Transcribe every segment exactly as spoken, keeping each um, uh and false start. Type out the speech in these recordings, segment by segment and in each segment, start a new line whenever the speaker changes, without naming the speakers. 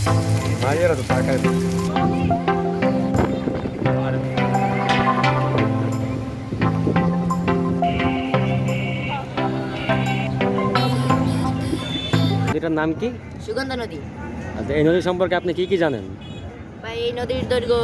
মাঝেরা তো তাকায় এটার নাম কি?
সুগন্ধা নদী।
আচ্ছা, এই নদী সম্পর্কে আপনি কি কি জানেন?
ভাই এই নদীর দৈর্ঘ্য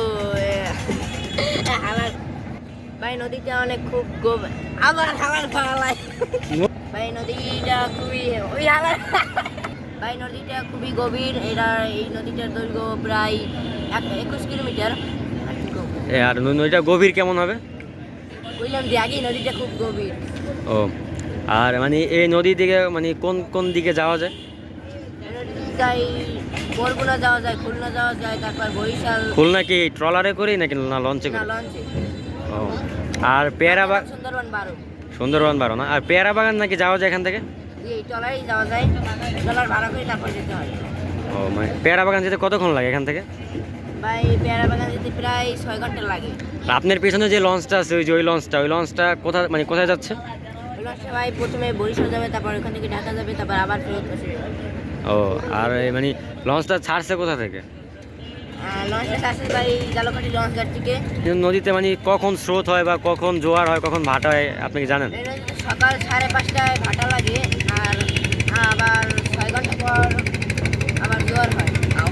আমার ভাই নদীটা অনেক খুব গভীর। আবার খাবার খাওয়ালাই ভাই নদীটা খুবই ওই আমার ভাই নদীটা খুবই গভীর। এটা এই নদীটার দৈর্ঘ্য প্রায় একুশ কিলোমিটার।
এ আর নদীটা গভীর কেমন হবে?
বুঝলাম যে আগেই নদীটা খুব গভীর।
ও, আর মানে এই নদী দিকে মানে কোন কোন দিকে যাওয়া যায়?
যাই বরগুনা যাওয়া যায়, খুলনা যাওয়া যায়, তারপর বরিশাল।
খুলনা কি ট্রলারে করি নাকি না লঞ্চে
না
করি?
লঞ্চে।
ও, আর পেয়ারা বাগান
সুন্দরবন বারো।
সুন্দরবন বারো না, আর পেয়ারা বাগান নাকি যাওয়া যায় এখান থেকে?
এই ট্রলারেই যাওয়া যায়, ট্রলার ভাড়া করে তারপর যেতে হয়।
ও, মানে পেয়ারা বাগান যেতে কতক্ষণ লাগে এখান থেকে?
ভাই পেয়ারা বাগান যেতে প্রায় ছয় ঘন্টা লাগে।
আর আপনার পেছনে যে লঞ্চটা আছে ওই যে ওই লঞ্চটা ওই লঞ্চটা কোথায় মানে কোথায় যাচ্ছে?
ওই লঞ্চটা ভাই প্রথমে বরিশাল যাবে, তারপর ওখান থেকে ঢাকা যাবে, তারপর আবার ফেরত আসবে।
ও, আর এই মানে লঞ্চটা ছাড়ছে কোথা থেকে?
আর লঞ্চটা ছাড়ছে ভাই জালকাঠি লঞ্চ ঘাট থেকে।
কিন্তু নদীতে মানে কখন স্রোত হয় বা কখন জোয়ার হয় কখন ভাটা হয় আপনি কি জানেন?
এই নদীতে সকাল সাড়ে পাঁচটায় ভাটা লাগে, আর আবার ছয় ঘন্টা পর আবার জোয়ার হয়।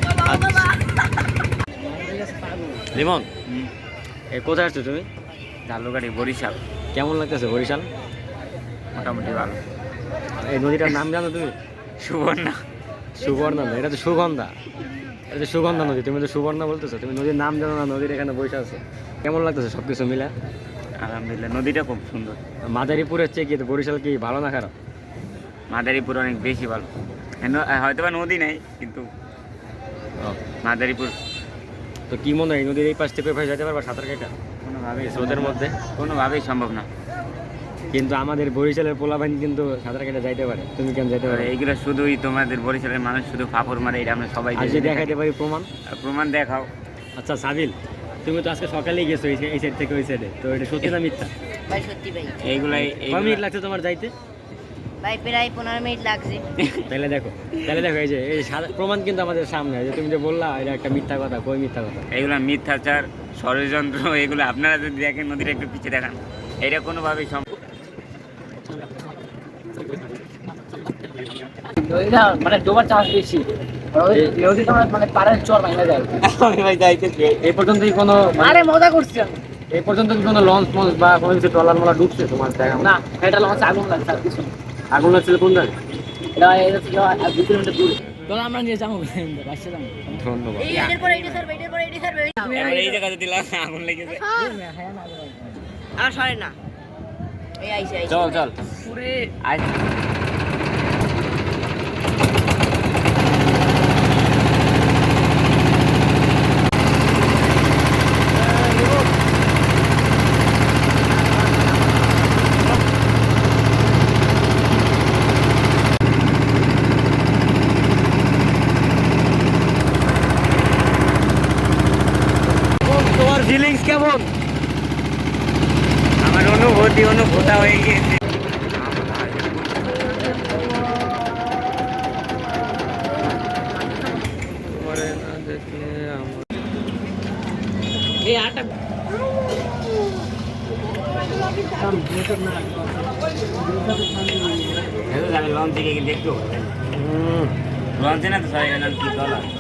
লিমন, এই কোথায় আসছো তুমি?
জালুকাঠি বরিশাল।
কেমন লাগতেছে বরিশাল?
মোটামুটি ভালো।
এই নদীটার নাম জানো তুমি?
সুবর্ণা।
সুবর্ণা না, এটা তো সুগন্ধা। এটা তো সুগন্ধা নদী, তুমি তো সুবর্ণা বলতেছো। তুমি নদীর নাম জানো না, নদীর এখানে বসে আছো। কেমন লাগতেছে সব কিছু মিলে?
আলহামদুলিল্লাহ, নদীটা খুব সুন্দর।
মাদারীপুরের চেয়ে কি বরিশাল কি ভালো না খারাপ?
মাদারীপুর অনেক বেশি ভালো। হয়তো বা নদী নেই, কিন্তু
ও,
মাদারীপুর
তো কি মনে হয় নদীর এই পাশ থেকে ভাই যেতে পারবা সাঁতার কেটে
কোনোভাবেই
স্রোতের মধ্যে?
কোনোভাবেই সম্ভব না।
কিন্তু আমাদের বরিশালের পোলাবাহিনী কিন্তু সাঁতার কেটে যাইতে পারে, তুমি কেন যাইতে পারো?
এইগুলো শুধুই তোমাদের বরিশালের মানুষ শুধু ফাপড় মারে, এটা আমরা সবাই
আজকে
জানি।
দেখাইতে পারি প্রমাণ।
প্রমাণ দেখাও।
আচ্ছা সাবিল, তুমি তো আজকে সকালেই গেছো এই এই সাইড থেকে ওই সাইডে, তো এটা সত্যি না মিথ্যা?
ভাই সত্যি ভাই।
এইগুলাই
কয় মিনিট লাগছে তোমার যাইতে?
ভাই প্রায় পনেরো মিনিট লাগছে।
তাহলে দেখো, তাহলে দেখো এই যে এই সাদা- প্রমাণ কিন্তু আমাদের সামনে, যে তুমি যে বললা এটা একটা মিথ্যা কথা, কই মিথ্যা কথা?
এইগুলো মিথ্যাচার, ষড়যন্ত্র। এগুলো আপনারা যদি দেখেন, নদীটা একটু পিছিয়ে দেখান, এটা কোনোভাবেই সম্ভব।
নদীটা মানে ডোবার চাষ বেশি, নদীটা মানে পাড়ের চর ভাঙা যায়।
এই পর্যন্তই কোনো মানে-
আরে মজা করছি আমি।
এই পর্যন্ত কি কোনো লঞ্চ মঞ্চ বা কোনো কিছু ট্রলার মোলা ডুবছে তোমার দেখা?
না, এটা লঞ্চ আগুন লাগছে আর কিছু না।
আগুন লাগছিল কোন জায়গায়?
এটা এটা ছিল আর দুই কিলোমিটার দূরে। তো আমরা নিয়ে যাবো বাসে যাবো।
ধন্যবাদ।
এই এটার পরে এটা স্যার, এটার পরে এটা স্যার।
এবার এই জায়গাতে দিলাম, আগুন লেগেছে।
আর সরে না। এই আইছে আইছে।
চল চল
পুরে
আজ
তোমার ফিলিংস কেমন?
আমার অনুভূতি অনুভূতা হয়ে গিয়েছে।
তোমারে না দেখলে আমার
এই আটা
লঞ্চ থেকে দেখতে লঞ্চে না তো সবাই কি দল